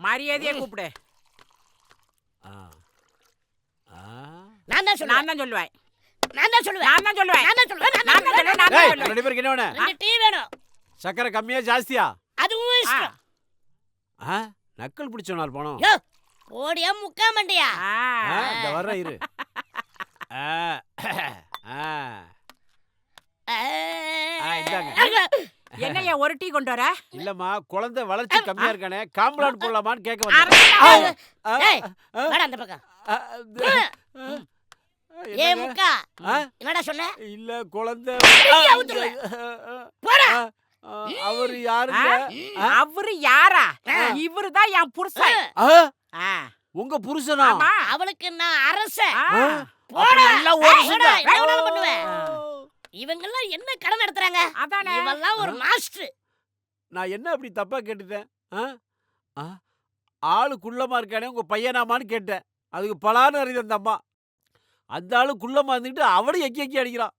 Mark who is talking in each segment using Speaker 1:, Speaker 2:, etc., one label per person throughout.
Speaker 1: மரியாதையா கூப்பிடு.
Speaker 2: ஆ. ஆ.
Speaker 3: நான் தான் சொல்லுவேன்.
Speaker 1: நான் தான் சொல்லுவேன்.
Speaker 3: நான் தான் சொல்லுவேன்.
Speaker 1: நான் தான் சொல்லுவேன்.
Speaker 3: நான் தான் சொல்லுவேன்.
Speaker 1: நான் தான் சொல்லுவேன். நான் தான்
Speaker 2: ஏய்,
Speaker 1: சொல்லுவேன்.
Speaker 2: ரெண்டு பேருக்கு என்ன வேணும்?
Speaker 3: 2 டீ வேணும்.
Speaker 2: சக்கரை கம்மியா ஜாஸ்தியா?
Speaker 3: அதுவும் இஷ்டம்.
Speaker 2: ஆ, நக்கல் பிடிச்சோனால் போனோம்.
Speaker 3: யோ போடியா முக்கா மண்டியா.
Speaker 2: இந்த வர்ற இரு. ஆ. ஆ. இந்தாங்க.
Speaker 1: என்னையா ஒரு டீ கொண்டு வர?
Speaker 2: இல்லம்மா, குழந்தை வளர்ச்சி கம்மியா இருக்கானே, காம்பளான் போடலாமான்னு கேட்க
Speaker 1: அரசா.
Speaker 2: வந்தேன்.
Speaker 3: ஏய் வாடா அந்த பக்கம். ஏ
Speaker 2: என்னங்க?
Speaker 3: முக்கா
Speaker 2: ஆ?
Speaker 3: என்னடா சொன்ன?
Speaker 2: இல்ல குழந்தை.
Speaker 3: கையை அவுத்துருவேன். போடா.
Speaker 2: அவர் யாருங்க?
Speaker 1: அவரு யாரா? இவருதான் என் புருஷன். ஆ.
Speaker 2: உங்க புருஷனா?
Speaker 1: ஆமா.
Speaker 3: அவளுக்கு நான் அரசன்.
Speaker 1: ஆ.
Speaker 3: போடா.
Speaker 2: நல்லா ஒரு
Speaker 3: போடா, என்ன வேணாலும் பண்ணுவேன். இவங்கெல்லாம் என்ன கடன் நடத்துறாங்க?
Speaker 1: அதானே.
Speaker 3: இவெல்லாம் ஒரு மாஸ்டர்.
Speaker 2: நான் என்ன அப்படி தப்பா கேட்டுட்டேன்? ஆ? ஆ? ஆளு குள்ளமா இருக்கானே உங்க பையனாமான்னு கேட்டேன். அதுக்கு பலான்னு அறியுது அந்த அம்மா. அந்த ஆளு குள்ளமா இருந்துக்கிட்டு அவளும் எக்கி எக்கி அடிக்கிறான்.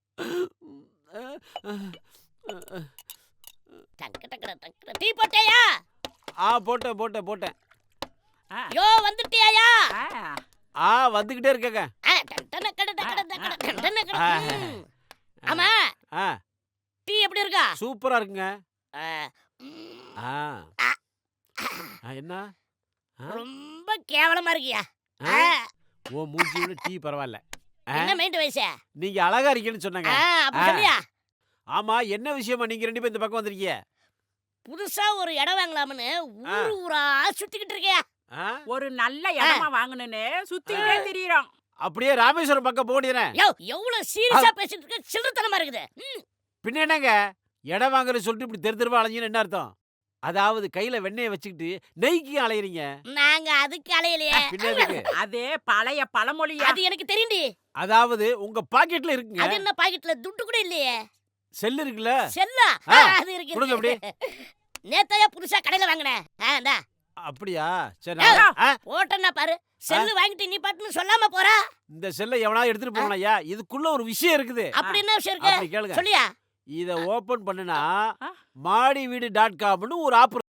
Speaker 3: டக்கு டக்கு டக்கு. டீ போட்டேயா?
Speaker 2: போட்டேன்.
Speaker 3: யோ வந்துட்டியாயா?
Speaker 2: வந்துகிட்டே இருக்கேங்க.
Speaker 3: டண்டன கட டக்கட டக்கட டண்டன கட. ஆமா
Speaker 2: ஆ,
Speaker 3: டீ எப்படி இருக்கா?
Speaker 2: சூப்பரா இருக்குங்க.
Speaker 3: ஆ,
Speaker 2: ஆ. என்ன?
Speaker 3: ரொம்ப கேவலமா இருக்கியா?
Speaker 2: ஆ? உன் மூஞ்சியோட டீ பரவாயில்ல.
Speaker 3: என்ன மைண்ட் வயசு?
Speaker 2: நீங்க அழகா இருக்கீங்கன்னு சொன்னாங்க.
Speaker 3: அப்படி சொல்லியா?
Speaker 2: ஆமா, என்ன விஷயமா நீங்க ரெண்டு பேரும் இந்த பக்கம் வந்திருக்கீங்க?
Speaker 3: புதுசா ஒரு இடம் வாங்கலாம்னு ஊரா சுத்திக்கிட்டு இருக்கியா?
Speaker 1: ஒரு நல்ல இடமா வாங்கணும்னு சுத்திட்டே திரியறோம்.
Speaker 2: அப்படியே ராமேஸ்வரம் பக்கம் போடிறேன்.
Speaker 3: யோ எவ்வளவு சீரியஸா பேசிட்டு இருக்க? சில்லறத்தனமா இருக்குது.
Speaker 2: பின்ன என்னங்க, இடம் வாங்குறது சொல்லிட்டு இப்படி தெரு தெருவா அலைஞ்சீன்னு என்ன அர்த்தம்? அதாவது கையில வெண்ணெயை வச்சுக்கிட்டு நெய்க்கு அலையறீங்க.
Speaker 3: நாங்க அதுக்கு அலையலையே.
Speaker 2: பின்ன எதுக்கு?
Speaker 1: அது பழைய பழமொழியா.
Speaker 3: அது எனக்கு தெரியும்டி.
Speaker 2: அதாவது உங்க பாக்கெட்ல இருக்குங்க.
Speaker 3: அது என்ன பாக்கெட்ல துட்டு கூட இல்லையே.
Speaker 2: செல் இருக்குல்ல?
Speaker 3: செல்லா?
Speaker 2: ஆ,
Speaker 3: அது இருக்கு.
Speaker 2: கொடுங்க அப்படி.
Speaker 3: நேத்தாயா புதுசா கடையில வாங்கினேன். இந்தா
Speaker 2: அப்படியா? சரி.
Speaker 3: போட்டேன்னா பாரு. செல்லு வாங்கிட்டு நீ பாட்டுன்னு சொல்லாம போறா.
Speaker 2: இந்த செல்லை எவனா எடுத்துட்டு போனாயா? இதுக்குள்ள ஒரு விஷயம் இருக்குது.
Speaker 3: அப்படி என்ன விஷயம் இருக்கு?
Speaker 2: அப்படி கேளுங்க.
Speaker 3: சொல்லியா?
Speaker 2: இத ஓபன் பண்ணுனா மாடிவீடு.comனு ஒரு ஆப்